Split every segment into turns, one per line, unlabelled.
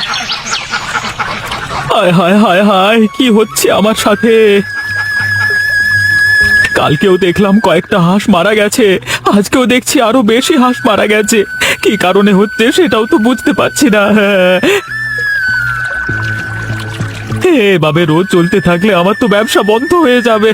হায় হায় হায় হায়, কি হচ্ছে আমার সাথে? কালকেও দেখলাম কয়েকটা হাঁস মারা গেছে, আজকেও দেখছি আরো বেশি হাঁস মারা গেছে। কি কারণে হচ্ছে সেটাও তো বুঝতে পারছি না। এভাবে রোজ চলতে থাকলে আমার তো ব্যবসা বন্ধ হয়ে যাবে।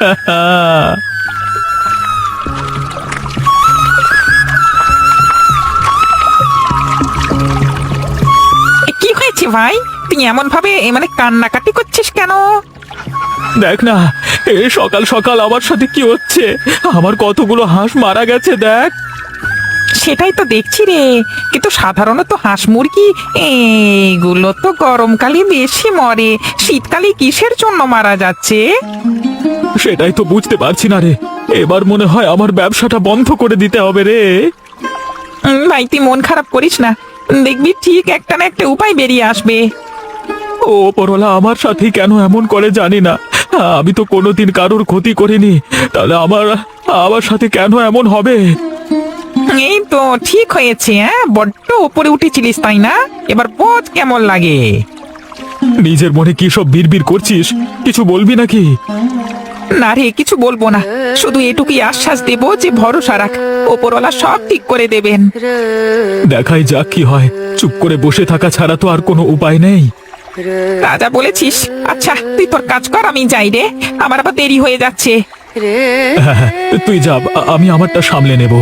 কি হয়েছে ভাই? তুই এমন ভাবে কান্নাকাটি করছিস কেন?
দেখ না, সকাল সকাল আমার সাথে কি হচ্ছে। আমার কতগুলো হাঁস মারা গেছে দেখ।
সেটাই তো দেখছি রে, কিন্তু সাধারণত হাঁস মুরগি এগুলো তো গরমকালে বেশি মরে, শীতকালে কিসের জন্য মারা যাচ্ছে?
সেটাই তো বুঝতে পারছি না রে। এবার মনে হয় আমার ব্যবসাটা বন্ধ করে দিতে হবে রে।
ভাই তুই মন খারাপ করিস না, দেখবি ঠিক একটা না একটা উপায় বেরিয়ে আসবে।
ও ওপরওয়ালা আমার সাথে কেন এমন করে জানি না। আমি তো কোনোদিন কারোর ক্ষতি করিনি, তাহলে আমার আমার সাথে কেন এমন হবে?
এই তো ঠিক হয়েছে, বড্ড উপরে উঠেছিলিস তাই না? এবার বোঝ কেমন লাগে।
নিজের মনে কি সব বিড়বিড় করছিস? কিছু বলবি নাকি?
না রে, কিছু বলবো না, শুধু এটুকুই আশ্বাস দেবো যে ভরসা রাখ, ওপরওয়ালা সব ঠিক করে দেবেন।
দেখাই যাক কি হয়। চুপ করে বসে থাকা ছাড়া তো আর কোনো উপায় নেই।
রাজা বলেছিস। আচ্ছা তুই তোর কাজ কর, আমি যাই রে, আমার আবার দেরি হয়ে যাচ্ছে।
হ্যাঁ হ্যাঁ, তুই যা, আমি আমারটা সামলে নেব।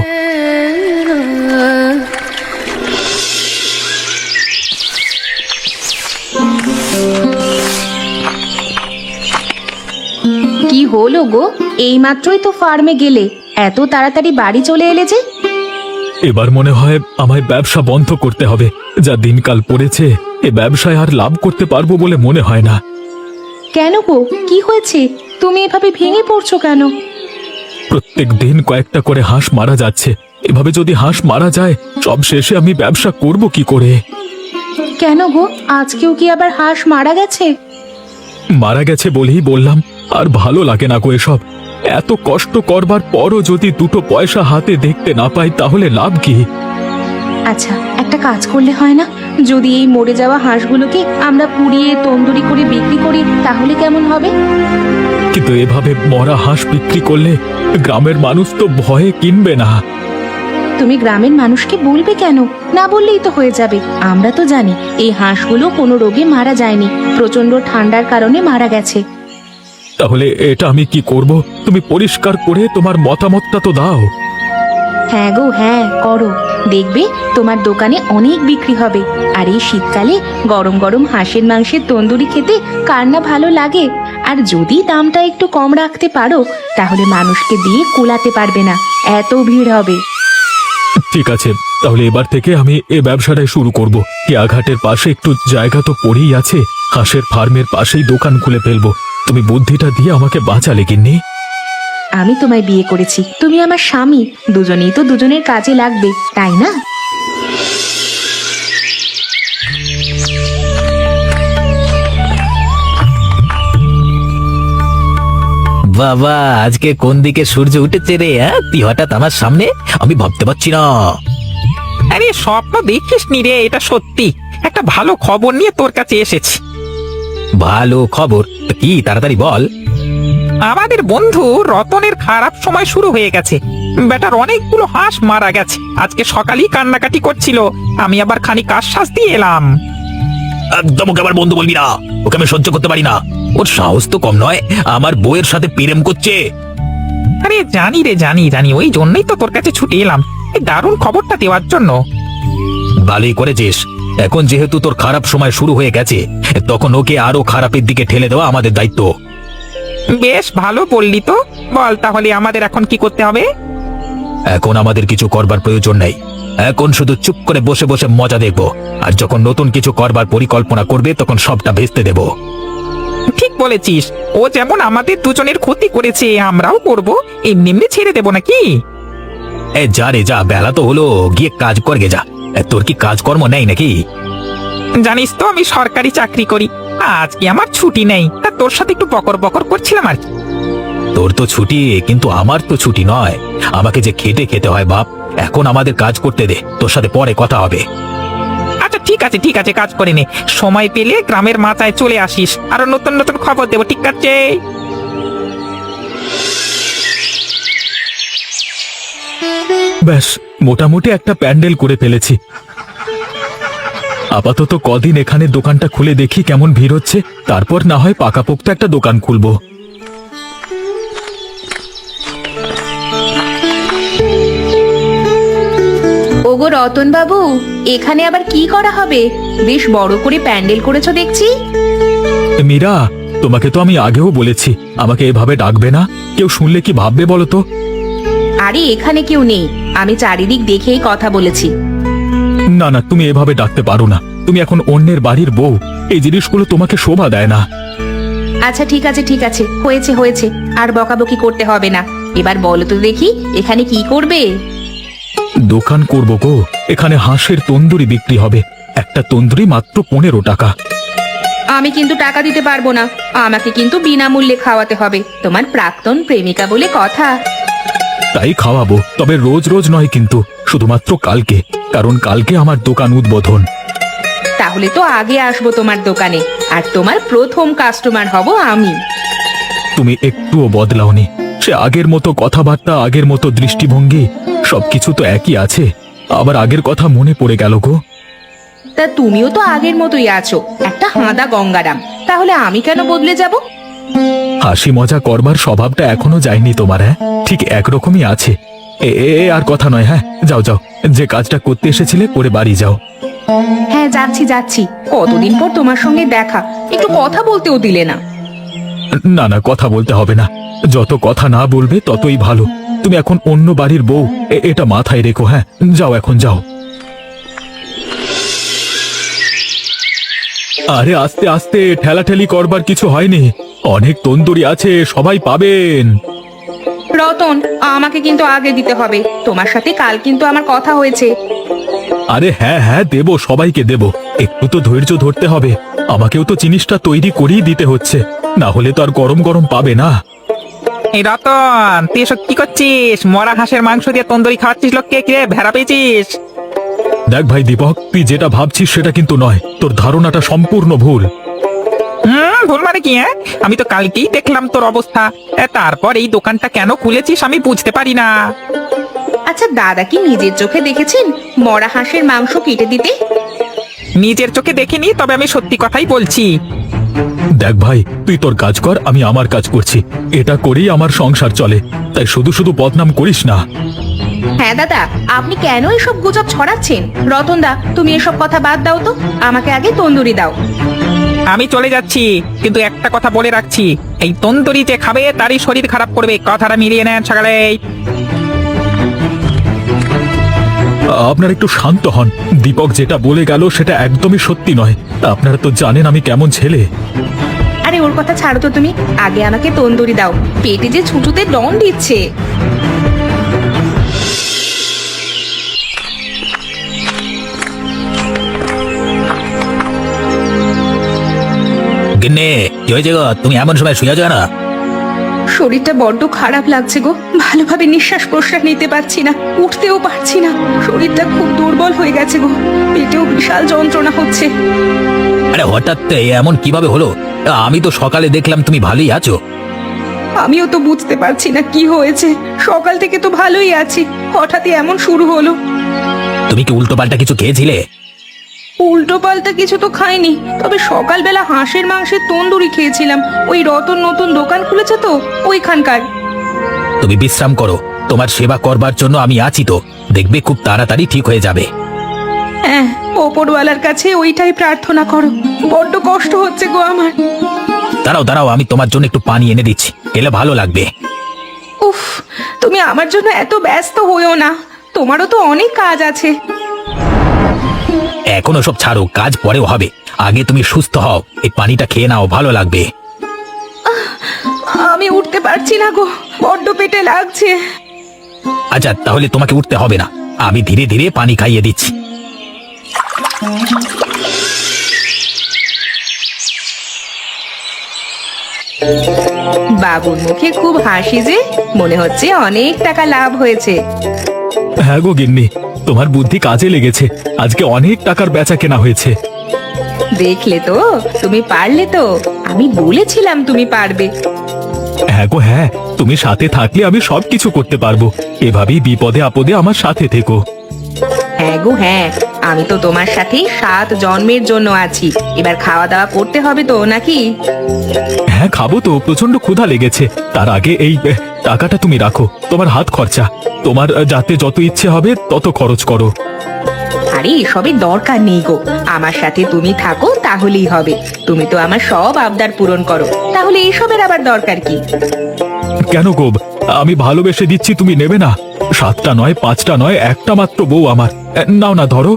কি হলো গো? এইমাত্রই তো ফার্মে গেলে, এত তাড়াতাড়ি বাড়ি চলে এলে যে?
এবার মনে হয় আমায় ব্যবসা বন্ধ করতে হবে। যা দিনকাল পড়েছে, এ ব্যবসায় আর লাভ করতে পারবো বলে মনে হয় না।
কেন গো, কি হয়েছে? তুমি এভাবে ভেঙে পড়ছো কেন?
প্রত্যেক দিন কয়েকটা করে হাঁস মারা যাচ্ছে। এভাবে যদি হাঁস মারা যায়, সব শেষে আমি ব্যবসা করব কি করে?
কেন গো, আজকেও কি আবার হাঁস মারা গেছে?
মারা গেছে বলেই বললাম। আর ভালো লাগে না গো এসব। এত কষ্ট করবার পরও যদি দুটো পয়সা হাতে দেখতে না পাই, তাহলে লাভ কি?
আচ্ছা একটা কাজ করলে হয় না? যদি এই মরে যাওয়া হাঁসগুলোকে আমরা পুড়িয়ে তন্দুরি করে বিক্রি করি, তাহলে কেমন হবে?
কিন্তু এভাবে মরা হাঁস বিক্রি করলে গ্রামের মানুষ তো ভয়ে কিনবে না।
তুমি গ্রামের মানুষকে বলবে কেন? না বললেই তো হয়ে যাবে। আমরা তো জানি এই হাঁসগুলো কোনো রোগে মারা যায়নি, প্রচন্ড ঠান্ডার কারণে মারা গেছে।
তাহলে এটা আমি কি করব? তুমি পরিষ্কার করে তোমার মতামতটা তো দাও।
হ্যাঁ গো হ্যাঁ, করো। দেখবে তোমার দোকানে অনেক বিক্রি হবে। আর এই শীতকালে গরম গরম হাঁসের মাংসের তন্দুরি খেতে কার না ভালো লাগে? আর যদি দামটা একটু কম রাখতে পারো, তাহলে মানুষকে দিয়ে কুলাতে পারবে না, এত ভিড় হবে।
ঠিক আছে, তাহলে এবার থেকে আমি এ ব্যবসাটাই শুরু করব। কেয়াঘাটের পাশে একটু জায়গা তো পড়েই আছে, হাঁসের ফার্মের পাশেই দোকান খুলে ফেলবো। তুমি বুদ্ধিটা দিয়ে আমাকে বাঁচালে গিন্নি।
আমি তোমায় বিয়ে করেছি, তুমি আমার স্বামী, দুজনেই তো দুজনের কাজে লাগবে, তাই না?
বাবা, আজকে কোন দিকে সূর্য উঠেছে রে? তুই হঠাৎ আমার সামনে, আমি ভাবতে পারছি না।
আরে স্বপ্ন দেখিস নি রে, এটা সত্যি। একটা ভালো খবর নিয়ে তোর কাছে এসেছি।
ভালো খবর? তা কি, তাড়াতাড়ি বল।
আমাদের বন্ধু রতনের খারাপ সময় শুরু হয়ে গেছে। বেটার অনেকগুলো হাঁস মারা গেছে, আজকে সকালেই কান্নাকাটি করছিল। আমি আবার খানিক আশ্বাস দিয়ে এলাম।
একদম ওকে আমার বন্ধু বলবি না, ওকে আমি সহ্য করতে পারি না। ওর সাহস তো কম নয়, আমার বউয়ের সাথে প্রেম করছে।
আরে জানি রে, জানি জানি, ওই জন্যই তো তোর কাছে ছুটে এলাম, এই দারুণ খবরটা দেওয়ার জন্য।
ভালোই করেছিস। এখন যেহেতু তোর খারাপ সময় শুরু হয়ে গেছে, তখন ওকে আরো খারাপের দিকে ঠেলে দেওয়া আমাদের দায়িত্ব।
বেশ ভালো বললি তো, বল তাহলে আমাদের এখন কি করতে হবে?
এখন আমাদের কিছু করবার প্রয়োজন নেই। এখন শুধু চুপ করে বসে বসে মজা দেখব। আর যখন নতুন কিছু করবার পরিকল্পনা করবে, তখন সবটা ভেস্তে দেব।
ঠিক বলেছিস, ও যেমন আমাদের দুজনের ক্ষতি করেছে, আমরাও করব। এমনি এমনি ছেড়ে দেবো নাকি?
যা রে যা, বেলা তো হলো, গিয়ে কাজ করগে যা। তোর কি কাজকর্ম নেই নাকি?
জানিস তো আমি সরকারি চাকরি করি, আজকে আমার ছুটি নেই, তা তোর সাথে একটু বকর বকর করছিলাম আর কি।
তোর তো ছুটি, কিন্তু আমার তো ছুটি নয়। আমাকে যে খেটে খেতে হয় বাপ। এখন আমাদের কাজ করতে দে, তোর সাথে পরে কথা হবে।
আচ্ছা ঠিক আছে, কাজ করে নে। সময় পেলে গ্রামের মাথায় চলে আসিস, আরো নতুন নতুন খবর দেবো, ঠিক আছে?
ব্যাস, মোটামুটি একটা প্যান্ডেল করে ফেলেছি। আপাতত কদিন এখানে দোকানটা খুলে দেখি কেমন ভিড় হচ্ছে, তারপর না হয় পাকাপোক্ত একটা দোকান খুলবো।
ওগো রতন বাবু, এখানে আবার কি করা হবে? বেশ বড় করে প্যান্ডেল করেছো দেখছি।
মীরা, তোমাকে তো আমি আগেও বলেছি আমাকে এভাবে ডাকবে না, কেউ শুনলে কি ভাববে বলো তো?
আরে এখানে কেউ নেই, আমি চারিদিক দেখেই কথা বলেছি।
না না, তুমি এভাবে ডাকতে পারো না, তুমি এখন অন্যের বাড়ির বউ, এই জিনিসগুলো তোমাকে শোভা দেয় না।
আচ্ছা ঠিক আছে ঠিক আছে, হয়েছে হয়েছে, আর বকাবকি করতে হবে না। এবার বলো তো দেখি, এখানে কি করবে?
দোকান করবো গো, এখানে হাঁসের তন্দুরি বিক্রি হবে। একটা তন্দুরি মাত্র 15 টাকা।
আমি কিন্তু টাকা দিতে পারবো না, আমাকে কিন্তু বিনামূল্যে খাওয়াতে হবে, তোমার প্রাক্তন প্রেমিকা বলে কথা।
তাই খাওয়াবো, তবে রোজ রোজ নয় কিন্তু, শুধুমাত্র কালকে, কারণ কালকে আমার দোকান উদ্বোধন।
তাহলে তো আগে আসবো তোমার দোকানে, আর তোমার প্রথম কাস্টমার হব আমি।
তুমি একটুও বদলাওনি, সে আগের মতো কথাবার্তা, আগের মতো দৃষ্টিভঙ্গি, সবকিছু তো একই আছে। আবার আগের কথা মনে পড়ে গেল গো।
তা তুমিও তো আগের মতোই আছো, একটা হাঁদা গঙ্গারাম, তাহলে আমি কেন বদলে যাব?
হাসি মজা করবার স্বভাবটা এখনো যায়নি তোমার, হ্যাঁ? ঠিক একরকমই আছে। আর কথা নয়, হ্যাঁ যাও যাও, যে কাজটা করতে এসেছিলে করে বাড়ি যাও।
হ্যাঁ যাচ্ছি যাচ্ছি, কতদিন পর তোমার সঙ্গে দেখা, একটু কথা বলতেও দিলে না।
না না, কথা বলতে হবে না, যত কথা না বলবে ততই ভালো। তুমি এখন অন্য বাড়ির বউ, এটা মাথায় রেখো। হ্যাঁ যাও, এখন যাও। আরে আস্তে আস্তে, ঠেলাঠেলি করবার কিছু হয়নি, অনেক তন্দুরি আছে, সবাই পাবেন।
রতন, আমাকে কিন্তু আগে দিতে হবে, তোমার সাথে কাল কিন্তু আমার কথা হয়েছে।
আরে হ্যাঁ হ্যাঁ, দেব, সবাইকে দেব, একটু তো ধৈর্য ধরতে হবে, আমাকেও তো জিনিসটা তৈরি করেই দিতে হচ্ছে, না হলে তো আর গরম গরম পাবে না।
এই রতন, তুই এসব কি করছিস? মরা হাঁসের মাংস দিয়ে তন্দুরি খাওয়াচ্ছিস লোককে, কে ভেড়া পেয়েছিস?
দেখ ভাই দীপক, তুই যেটা ভাবছিস সেটা কিন্তু নয়, তোর ধারণাটা সম্পূর্ণ ভুল।
ভুল মানে কি? হ্যাঁ, আমি তো কালকেই দেখলাম তোর অবস্থা, তারপর এই দোকানটা কেন খুলেছিস আমি বুঝতে পারি না।
আচ্ছা দাদা কি নিজের চোখে দেখেছেন মরা হাঁসের মাংস কেটে দিতে?
নিজের চোখে দেখিনি, তবে আমি সত্যি কথাই বলছি।
দেখ ভাই, তুই তোর কাজ কর, আমি আমার কাজ করছি, এটা করেই আমার সংসার চলে, তাই শুধু শুধু বদনাম করিস না।
হ্যাঁ দাদা, আপনি কেন এসব গুজব ছড়াচ্ছেন? রতন দা, তুমি এসব কথা বাদ দাও তো, আমাকে আগে তন্দুরি দাও।
আমি চলে যাচ্ছি, কিন্তু একটা কথা বলে রাখছি, এই তন্দুরি যে খাবে তারই শরীর খারাপ করবে, কথাটা মিলিয়ে নেন সকালে।
আপনারা একটু শান্ত হন, দীপক যেটা বলে গেল সেটা একদমই সত্যি নয়, আপনারা তো জানেন আমি কেমন ছেলে।
আরে ওর কথা ছাড়ো তো তুমি, আগে আমাকে তন্দুরি দাও, পেটে যে ছুটুতে ডন দিচ্ছে।
গিন্নে, কি হয়েছে গো? তুমি এমন সময় শুয়ে যাও না?
শরীরটা বড্ড খারাপ লাগছে গো, ভালোভাবে নিঃশ্বাস প্রশ্বাস নিতে পারছি না, উঠতেও পারছি না, শরীরটা খুব দুর্বল হয়ে গেছে গো, পেটেও বিশাল যন্ত্রণা হচ্ছে।
আরে হঠাৎ এমন কিভাবে হলো? আমি তো সকালে দেখলাম তুমি ভালোই আছো।
আমিও তো বুঝতে পারছি না কি হয়েছে, সকাল থেকে তো ভালোই আছি, হঠাৎই এমন শুরু হলো।
তুমি কি উল্টো পাল্টা কিছু খেয়েছিলে?
উল্টো পাল্টা কিছু তো খাইনি, তবে সকালবেলা হাঁসের মাংসের তন্দুরি খেয়েছিলাম, ওই রতন নতুন দোকান খুলেছে তো ওইখানকার।
তুমি বিশ্রাম করো, তোমার সেবা করবার জন্য আমি আছি তো, দেখবে খুব তাড়াতাড়ি ঠিক হয়ে যাবে।
হ্যাঁ, ওপরওয়ালার কাছে ওইটাই প্রার্থনা করো, বড্ড কষ্ট হচ্ছে গো আমার।
দাঁড়াও দাঁড়াও, আমি তোমার জন্য একটু পানি এনে দিচ্ছি, খেলে ভালো লাগবে।
উফ, তুমি আমার জন্য এত ব্যস্ত হইও না, তোমারও তো অনেক কাজ আছে।
এখন সব ছাড়ো, কাজ পরেও হবে, আগে তুমি সুস্থ হও, এই পানিটা খেয়ে নাও, ভালো লাগবে।
আমি উঠতে পারছি না গো, বড্ড পেটে লাগছে।
আচ্ছা তাহলে তোমাকে উঠতে হবে না, আমি ধীরে ধীরে পানি খাইয়ে দিচ্ছি।
বাবুর মুখে খুব হাসি যে, মনে হচ্ছে অনেক টাকা লাভ হয়েছে।
হ্যাঁ গো গিন্নি, তোমার বুদ্ধি কাজে লেগেছে। আজকে অনেক টাকার বেচা কেনা হয়েছে।
দেখলে তো, তুমি পারলে তো। আমি বলেছিলাম তুমি পারবে।
হ্যাঁ গো হ্যাঁ, তুমি সাথে থাকলে আমি সবকিছু করতে পারবো। এভাবেই বিপদে আপদে আমার সাথে থেকো।
হ্যাঁ গো হ্যাঁ, আমি তো তোমার সাথে 7 জন্মের জন্য আছি। এবার খাওয়া দাওয়া করতে হবে তো নাকি?
হ্যাঁ খাবো তো, প্রচন্ড ক্ষুধা লেগেছে। তার আগে এই টাকাটা তুমি রাখো, তোমার হাত খরচা। তোমার যাতে যত ইচ্ছে হবে তত খরচ করো।
আরে এসবের দরকার নেই গো, আমার সাথে তুমি থাকো তাহলেই হবে। তুমি তো আমার সব আবদার পূরণ করো, তাহলে এসবের আবার দরকার কি?
কেন গো, আমি ভালোবেসে দিচ্ছি, তুমি নেবে না? 7টা নয়, 5টা নয়, একটা মাত্র বউ আমার। নাও না, ধরো।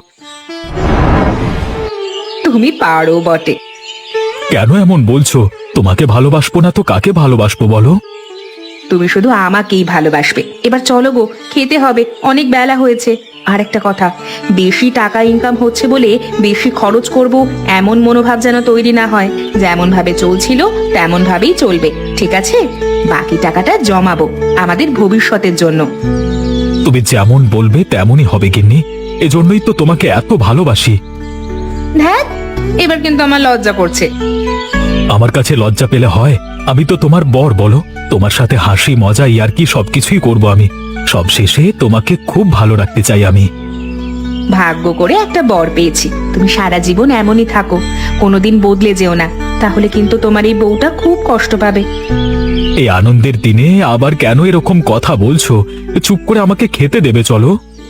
তুমি পারো বটে।
কেন এমন বলছো? তোমাকে ভালোবাসবো না তো কাকে ভালোবাসবো বলো?
তুমি শুধু আমাকেই ভালোবাসবে। এবার চলো গো, খেতে হবে, অনেক বেলা হয়েছে। আর একটা কথা, বেশি টাকা ইনকাম হচ্ছে বলে বেশি খরচ করব এমন মনোভাব যেন তৈরি না হয়। যেমন ভাবে চলছিল তেমন ভাবেই চলবে, ঠিক আছে? বাকি টাকাটা জমাবো আমাদের ভবিষ্যতের জন্য।
তুমি যেমন বলবে তেমনই হবে গিন্নি। এজন্যই তো তোমাকে এত ভালোবাসি।
ধ্যাৎ, এবার কিন্তু আমার লজ্জা করছে।
আমার কাছে লজ্জা পেলে হয়? আমি তো তোমার বর, বলো। তোমার সাথে হাসি মজা ইয়ার্কি সবকিছুই করব আমি। সব শেষে তোমাকে খুব ভালো রাখতে চাই আমি।
ভাগ্য করে একটা বর পেয়েছি। তুমি সারা জীবন এমনই থাকো, কোনোদিন বদলে যেও না, তাহলে কিন্তু তোমার এই বউটা খুব কষ্ট পাবে।
এই আনন্দের দিনে আবার কেন এরকম কথা বলছো? চুপ করে আমাকে খেতে দেবে, চলো।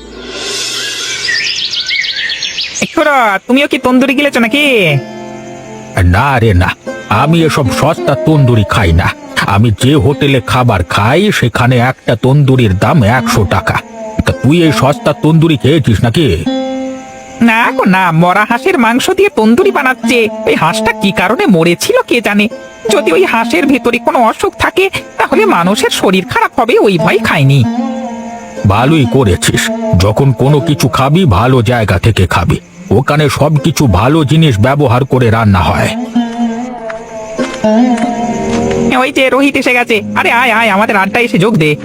তুমিও কি তন্দুরি গিলেছো নাকি?
না রে না, আমি এসব সস্তা তন্দুরি খাই না। আমি যে হোটেলে খাবার খাই সেখানে একটা তন্দুরির দাম 100 টাকা। তা তুই এই সস্তা তন্দুরি খেয়েছিস নাকি?
না গো না, মরা হাঁসের মাংস দিয়ে তন্দুরি বানাচ্ছে। ওই হাঁসটা কি কারণে মরেছিল কে জানে। যদি ওই হাঁসের ভেতরে কোনো অসুখ থাকে তাহলে মানুষের শরীর খারাপ হবে, ওই ভয় খাইনি।
ভালোই করেছিস। যখন কোনো কিছু খাবি ভালো জায়গা থেকে খাবি। ওখানে সবকিছু ভালো জিনিস ব্যবহার করে রান্না হয়।
ওই যে রোহিত এসে গেছে। আরে আয় আয়, আমাদের আড্ডা এসে যোগ দে।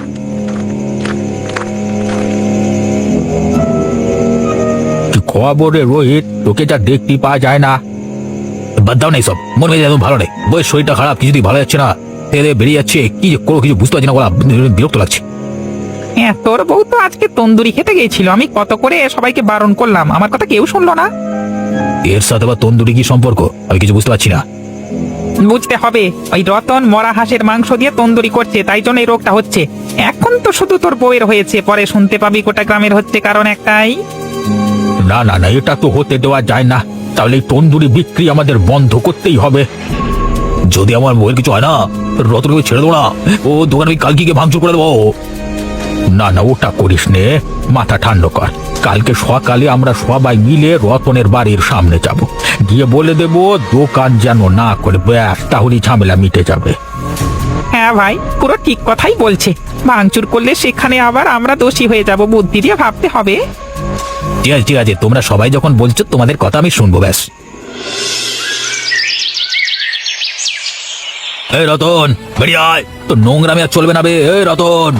কি খবর রে রোহিত? তোকে যা দেখতে পাওয়া যায় না। বাদ দাও না সব, মন মেজাজ একদম ভালো নেই। বই শরীরটা খারাপ, কিছুতেই ভালো যাচ্ছে না। তেলে বেরিয়ে যাচ্ছে, কি যে করো কিছু বুঝতে পারছি না। বলা বিরক্ত লাগছে।
হ্যাঁ, তোর বউ তো আজকে তন্দুরি খেতে গিয়েছিল। আমি কত করে সবাইকে বারণ করলাম, আমার কথা কেউ শুনলো না।
এর সাথে আবার তন্দুরি কি সম্পর্ক? আমি কিছু বুঝতে পারছি না।
বুঝতে হবে, ওই রতন মরা হাঁসের মাংস দিয়ে তন্দুরি করছে, তাই জন্য এই রোগটা হচ্ছে। এখন তো শুধু তোর বউয়ের হয়েছে, পরে শুনতে পাবি গোটা গ্রামের হচ্ছে, কারণ একটাই।
না না না, এটা তো হতে দেওয়া যায় না। তাহলে এই তন্দুরি বিক্রি আমাদের বন্ধ করতেই হবে। যদি আমার বউয়ের কিছু হয় না, রতনকে ছেড়ে দেবো না। ও দোকানে ওই কালকিকে ভাঙচুর করে দেবো। না না, ওটা করিস নে, মাথা ঠান্ডা কর। কালকে সকালে আমরা সবাই মিলে রতনের বাড়ির সামনে যাব, গিয়ে বলে দেব দোকান যেন না করে, ব্যাস তাহলেই ঝামেলা মিটে যাবে।
হ্যাঁ ভাই, পুরো ঠিক কথাই বলছে। ভাঙচুর করলে সেখানে আবার আমরা দোষী হয়ে যাব, বুদ্ধি দিয়ে ভাবতে হবে।
ঠিক আছে ঠিক আছে, তোমরা সবাই যখন বলছো তোমাদের কথা আমি শুনবো, ব্যাস। এই রতন, বেরিয়ে আয়। তো নোংরামি আর চলবে না বে। এই রতন,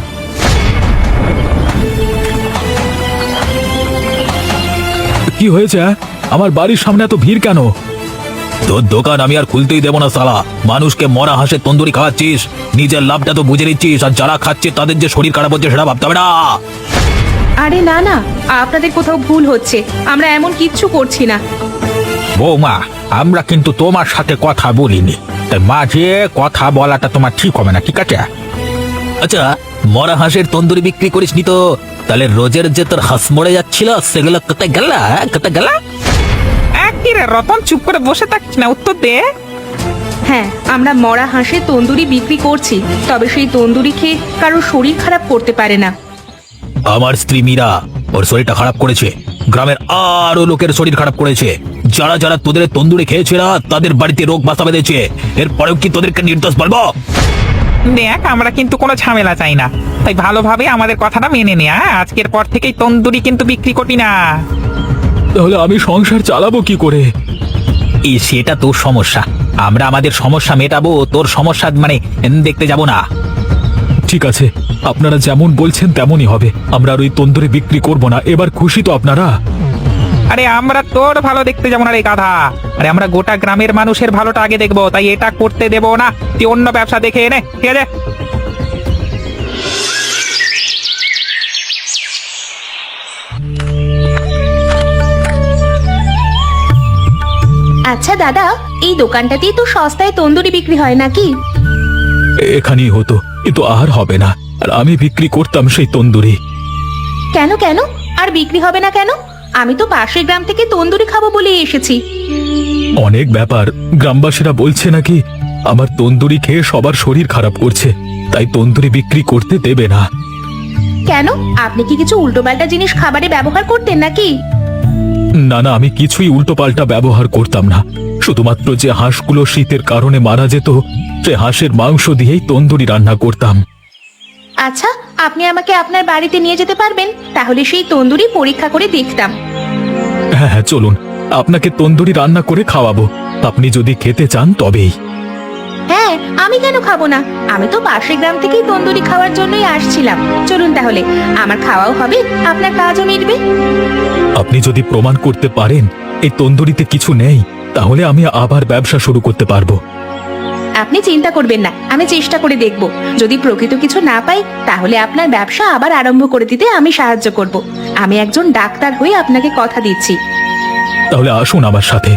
কি হয়েছে? আমার বাড়ির সামনে এত ভিড় কেন?
তোর দোকান আমি আর খুলতেই দেবো না শালা। মানুষকে মরা হাঁসের তন্দুরি খাওয়াচ্ছিস, নিজের লাভটা তো বুঝে নিচ্ছিস, আর যারা খাচ্ছে তাদের যে শরীর খারাপ হচ্ছে সেটা ভাবতে হবে না।
আরে না না, আপনাদের কোথাও ভুল হচ্ছে, আমরা এমন কিচ্ছু করছি না।
বৌমা, আমরা কিন্তু তোমার সাথে কথা বলিনি, তাই মাঝে কথা বলাটা তোমার ঠিক হবে না, ঠিক আছে? আচ্ছা, মরা হাঁসের তন্দুরি বিক্রি করিস নি তো? তাহলে রোজের যে তোর হাঁস মরে যাচ্ছিল সেগুলো কোথায় গেল? কোথায় গেল?
কিরে রতন, চুপ করে বসে থাকিস না, উত্তর দে।
হ্যাঁ, আমরা মরা হাঁসের তন্দুরি বিক্রি করছি, তবে সেই তন্দুরি খেয়ে কারো শরীর খারাপ করতে পারে না।
আমার স্ত্রী মীরা, ওর শরীরটা খারাপ করেছে, গ্রামের আরো লোকের শরীর খারাপ করেছে। যারা যারা তোদের তন্দুরি খেয়েছে না তাদের বাড়িতে রোগ বাসা বেঁধেছে। এরপরেও কি তোদেরকে নির্দোষ বলবো?
দেখ, আমরা কিন্তু কোনো ঝামেলা চাই না, তাই ভালোভাবে আমাদের কথাটা মেনে নে। আজকের পর থেকেই তন্দুরি কিন্তু বিক্রি করবি না।
তাহলে আমি সংসার চালাবো কি করে?
সেটা তোর সমস্যা। আমরা আমাদের সমস্যা মেটাবো, তোর সমস্যা মানে দেখতে যাব না।
ঠিক আছে, আপনারা যেমন বলছেন তেমনই হবে। আমরা আর ওই তন্দুরি বিক্রি করব না। এবার খুশি তো আপনারা?
আরে আমরা তোর ভালো দেখতে যাবো না রে গাধা। আরে আমরা গোটা গ্রামের মানুষের ভালোটা আগে দেখবো, তাই এটা করতে দেবো না। তুই অন্য ব্যবসা দেখে এনে, ঠিক আছে?
আচ্ছা দাদা, এই দোকানটাতেই তো সস্তায় তন্দুরি বিক্রি হয় নাকি?
এখানেই হতো, কিন্তু আর হবে না। আর আমি বিক্রি করতাম সেই তন্দুরি।
কেন কেন আর বিক্রি হবে না কেন? আমি তো পাশের গ্রাম থেকে তন্দুরি খাবো বলেই এসেছি।
অনেক ব্যাপার। গ্রামবাসীরা বলছে নাকি আমার তন্দুরি খেয়ে সবার শরীর খারাপ করছে, তাই তন্দুরি বিক্রি করতে দেবে না।
কেন, আপনি কি কিছু উল্টোপাল্টা জিনিস খাবারে ব্যবহার করতেন নাকি?
না না, আমি কিছুই উল্টোপাল্টা ব্যবহার করতাম না। শুধুমাত্র যে হাঁসগুলো শীতের কারণে মারা যেত, সে হাঁসের মাংস দিয়েই তন্দুরি রান্না করতাম।
আচ্ছা, আপনি আমাকে আপনার বাড়িতে নিয়ে যেতে পারবেন? তাহলে সেই তন্দুরি পরীক্ষা করে দেখতাম।
হ্যাঁ হ্যাঁ, চলুন, আপনাকে তন্দুরি রান্না করে খাওয়াবো। আপনি যদি খেতে চান তবেই।
হ্যাঁ, আমি কেন খাবো না? আমি তো পাশের গ্রাম থেকেই তন্দুরি খাওয়ার জন্যই আসছিলাম। চলুন তাহলে, আমার খাওয়াও হবে, আপনার কাজও মিটবে।
আপনি যদি প্রমাণ করতে পারেন এই তন্দুরিতে কিছু নেই, তাহলে আমি আবার ব্যবসা শুরু করতে পারবো।
আপনি চিন্তা করবেন না, আমি চেষ্টা করে দেখব। যদি প্রকৃত কিছু না পাই, তাহলে আপনার ব্যবসা আবার আরম্ভ করে দিতে আমি সাহায্য করব। আমি একজন ডাক্তার হয়ে আপনাকে কথা দিচ্ছি।
তাহলে আসুন আমার সাথে।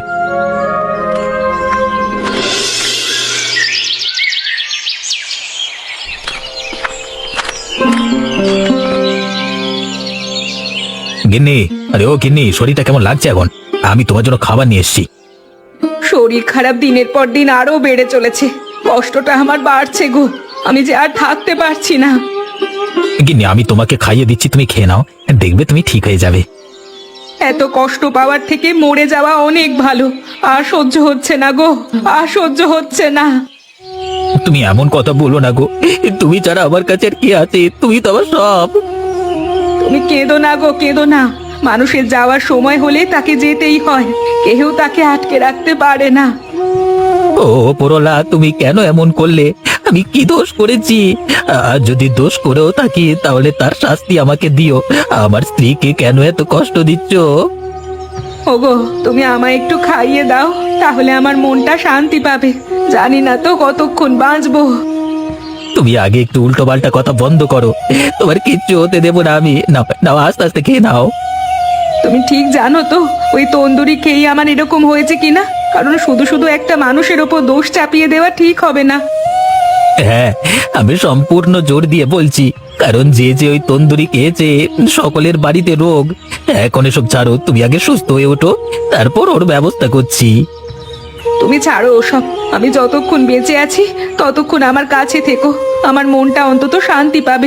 গিন্নি, আরে ও গিন্নি, শরীরটা কেমন লাগছে এখন? আমি তোমার জন্য খাবার নিয়ে এসেছি।
শরীর খারাপ দিনের পর দিন আরো বেড়ে চলেছে। কষ্টটা আমার বাড়ছে গো, আমি যে আর থাকতে পারছি না।
গিন্নি, আমি তোমাকে খাইয়ে দিচ্ছি, তুমি খেয়ে নাও, দেখবে তুমি ঠিক হয়ে যাবে।
এত কষ্ট পাওয়ার থেকে মরে যাওয়া অনেক ভালো। আর সহ্য হচ্ছে না গো, আর সহ্য হচ্ছে না।
তুমি এমন কথা বলো না গো, তুমি ছাড়া আমার কাছে আর কি আছে? তুমি তো আমার সব।
তুমি কেঁদো না গো, কেঁদো না। মানুষের যাওয়ার সময় হলে তাকে যেতেই হয়, কেউ তাকে আটকে রাখতে পারে না।
ও পোরলা, তুমি কেন এমন করলে? আমি কি দোষ করেছি? আর যদি দোষ করেও থাকি, তাহলে তার শাস্তি আমাকে দিও। আমার স্ত্রীকে কেন এত কষ্ট দিচ্ছ?
ওগো, তুমি আমায় একটু খাইয়ে দাও, তাহলে আমার মনটা শান্তি পাবে। জানি না তো কতক্ষণ বাঁচবো।
তুমি আগে একটু উল্টো পাল্টা কথা বন্ধ করো, তোমার কিচ্ছু হতে দেবো না আমি। নাও নাও, আস্তে আস্তে খেয়ে নাও।
তুমি ঠিক জানো তো ওই তন্দুরি খেয়ে আমার এরকম হয়েছে কিনা? কারণ শুধু শুধু একটা মানুষের ওপর দোষ চাপিয়ে দেওয়া ঠিক হবে না।
হ্যাঁ, আমি সম্পূর্ণ জোর দিয়ে বলছি, কারণ যে যে ওই তন্দুরি খেয়েছে সকলের বাড়িতে রোগ। এখন এসব ছাড়ো, তুমি আগে সুস্থ হয়ে ওঠো, তারপর ওর ব্যবস্থা করছি।
তুমি ছাড়ো ওসব। আমি যতক্ষণ বেঁচে আছি ততক্ষণ আমার কাছে থেকো, আমার মনটা অন্তত শান্তি পাবে।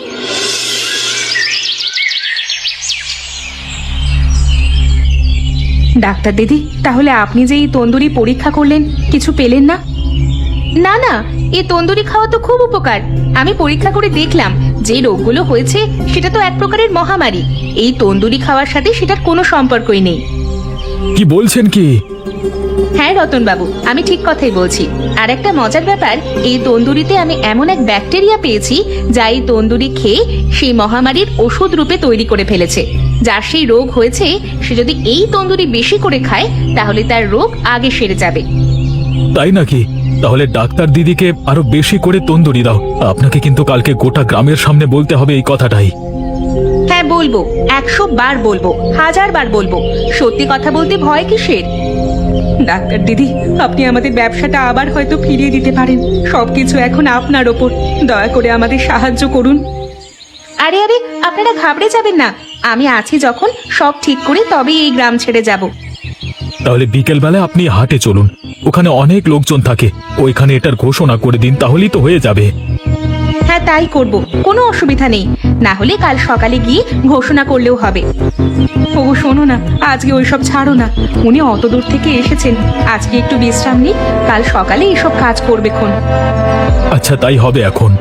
ডাক্তার দিদি, তাহলে আপনি যে এই তন্দুরি পরীক্ষা করলেন, কিছু পেলেন না? না না, এই তন্দুরি খাওয়া তো খুব উপকার। আমি পরীক্ষা করে দেখলাম, যে রোগগুলো হয়েছে সেটা তো এক প্রকারের মহামারী। এই তন্দুরি খাওয়ার সাথে সেটার কোনো সম্পর্কই নেই।
কি বলছেন কি?
হ্যাঁ রতন বাবু, আমি ঠিক কথাই বলছি। আর একটা মজার ব্যাপার, এই তন্দুরিতে আমি এমন এক ব্যাকটেরিয়া পেয়েছি, যা এই তন্দুরি খেয়ে সেই মহামারীর ওষুধ রূপে তৈরি করে ফেলেছে। যার সেই রোগ হয়েছে, সে যদি এই তন্দুরি বেশি করে খায়, তাহলে তার রোগ আগে সেরে যাবে।
তাই নাকি? তাহলে ডাক্তার দিদিকে আরো বেশি করে তন্দুরি দাও। আপনাকে কিন্তু কালকে গোটা গ্রামের সামনে বলতে হবে এই কথাটাই।
হ্যাঁ বলবো, 100 বার বলবো, 1000 বার বলবো। সত্যি কথা বলতে ভয় কিসের?
ডাক্তার দিদি, আপনি আমাদের ব্যবসাটা আবার হয়তো ফিরিয়ে দিতে পারেন। সবকিছু এখন আপনার ওপর। দয়া করে আমাদের সাহায্য করুন।
আরে আরে, আপনারা ঘাবড়ে যাবেন না। আমি আছি যখন, সব ঠিক করে তবেই এই গ্রাম ছেড়ে যাব।
তাহলে বিকেল বেলায় আপনি হাটে চলুন, ওখানে অনেক লোকজন থাকে। ওইখানে এটার ঘোষণা করে দিন, তাহলেই তো হয়ে যাবে।
হ্যাঁ তাই করব, কোনো অসুবিধা নেই। না হলে কাল সকালে গিয়ে ঘোষণা করলেও হবে।
ওগো শোনো না, আজকে ওইসব ছাড়ো না। উনি অত দূর থেকে এসেছেন, আজকে একটু বিশ্রাম নিন, কাল সকালে এসব কাজ করবে খন।
আচ্ছা, তাই হবে এখন।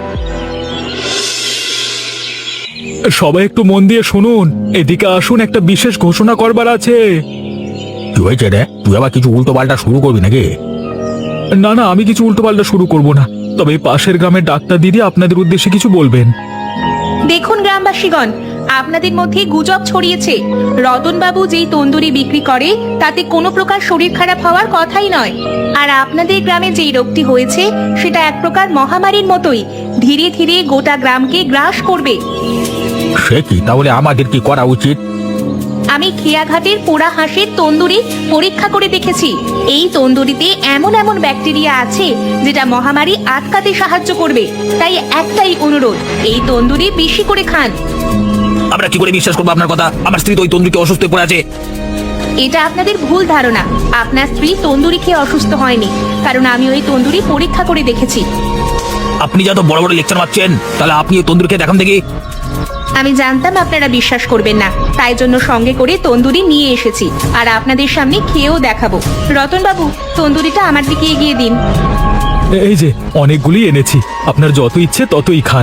সবাই একটু মন দিয়ে শুনুন, এদিকে আসুন, একটা বিশেষ ঘোষণা করবার আছে।
কি হয়েছে রে? তুই আবার কিছু উল্টো পাল্টা শুরু করবি নাকি?
না না, আমি কিছু উল্টোপাল্টা শুরু করব না। তবে পাশের গ্রামের ডাক্তার দিদি আপনাদের উদ্দেশ্যে কিছু বলবেন।
দেখুন গ্রামবাসীগণ, আপনাদের মধ্যে গুজব ছড়িয়েছে। রতনবাবু যেই তন্দুরি বিক্রি করে তাতে কোনো প্রকার শরীর খারাপ হওয়ার কথাই নয়। আর আপনাদের গ্রামে যেই রোগটি হয়েছে সেটা এক প্রকার মহামারীর মতোই, ধীরে ধীরে গোটা গ্রামকে গ্রাস করবে।
সে কি, তাহলে আমাদের কি করা উচিত?
আমি খেয়াঘাটের পোড়া হাঁসের তন্দুরি পরীক্ষা করে দেখেছি। এই তন্দুরিতে এমন এমন ব্যাকটেরিয়া আছে যেটা মহামারী আটকাতে সাহায্য করবে। তাই একটাই অনুরোধ, এই তন্দুরি বেশি করে খান।
আমরা কি করে বিশ্বাস করবো আপনার কথা? আমার স্ত্রী তো ওই তন্দুরিতে অসুস্থ হয়ে পড়ে আছে।
এটা আপনাদের ভুল ধারণা। আপনার স্ত্রী তন্দুরি খেয়ে অসুস্থ হয়নি, কারণ আমি ওই তন্দুরি পরীক্ষা করে দেখেছি।
আপনি যত বড় বড় লেকচার মারছেন, তাহলে আপনি ওই তন্দুরি খেয়ে দেখান দেখি।
আমি জানতাম আপনারা বিশ্বাস করবেন না, তাই জন্য সঙ্গে করে তন্দুরি নিয়ে এসেছি আর আপনাদের সামনে খেয়েও দেখাবো। রতনবাবু, তন্দুরিটা আমার দিকে এগিয়ে দিন।
এই যে অনেকগুলি এনেছি, আপনার যত ইচ্ছে ততই খান।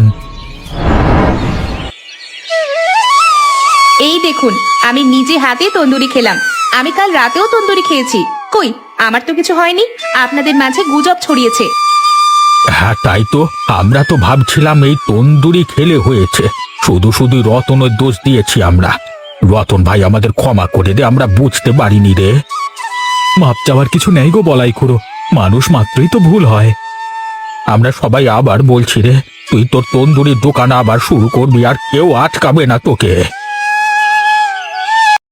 এই দেখুন, আমি নিজে হাতে তন্দুরি খেলাম। আমি কাল রাতেও তন্দুরি খেয়েছি। কই, আমার তো কিছু হয়নি। আপনাদের মাঝে গুজব ছড়িয়েছে।
হ্যাঁ তাই তো, আমরা তো ভাবছিলাম এই তন্দুরি খেলে হয়েছে। শুধু শুধু রতনের দোষ দিয়েছি আমরা। রতন ভাই, আমাদের ক্ষমা করে দে, আমরা বুঝতে পারিনি রে।
মাপ চাওয়ার কিছু নেই গো বলাই খুড়ো, মানুষ মাত্রই তো ভুল হয়।
আমরা সবাই আবার বলছি রে, তুই তোর তন্দুরির দোকান আবার শুরু করবি, আর কেউ আটকাবে না তোকে।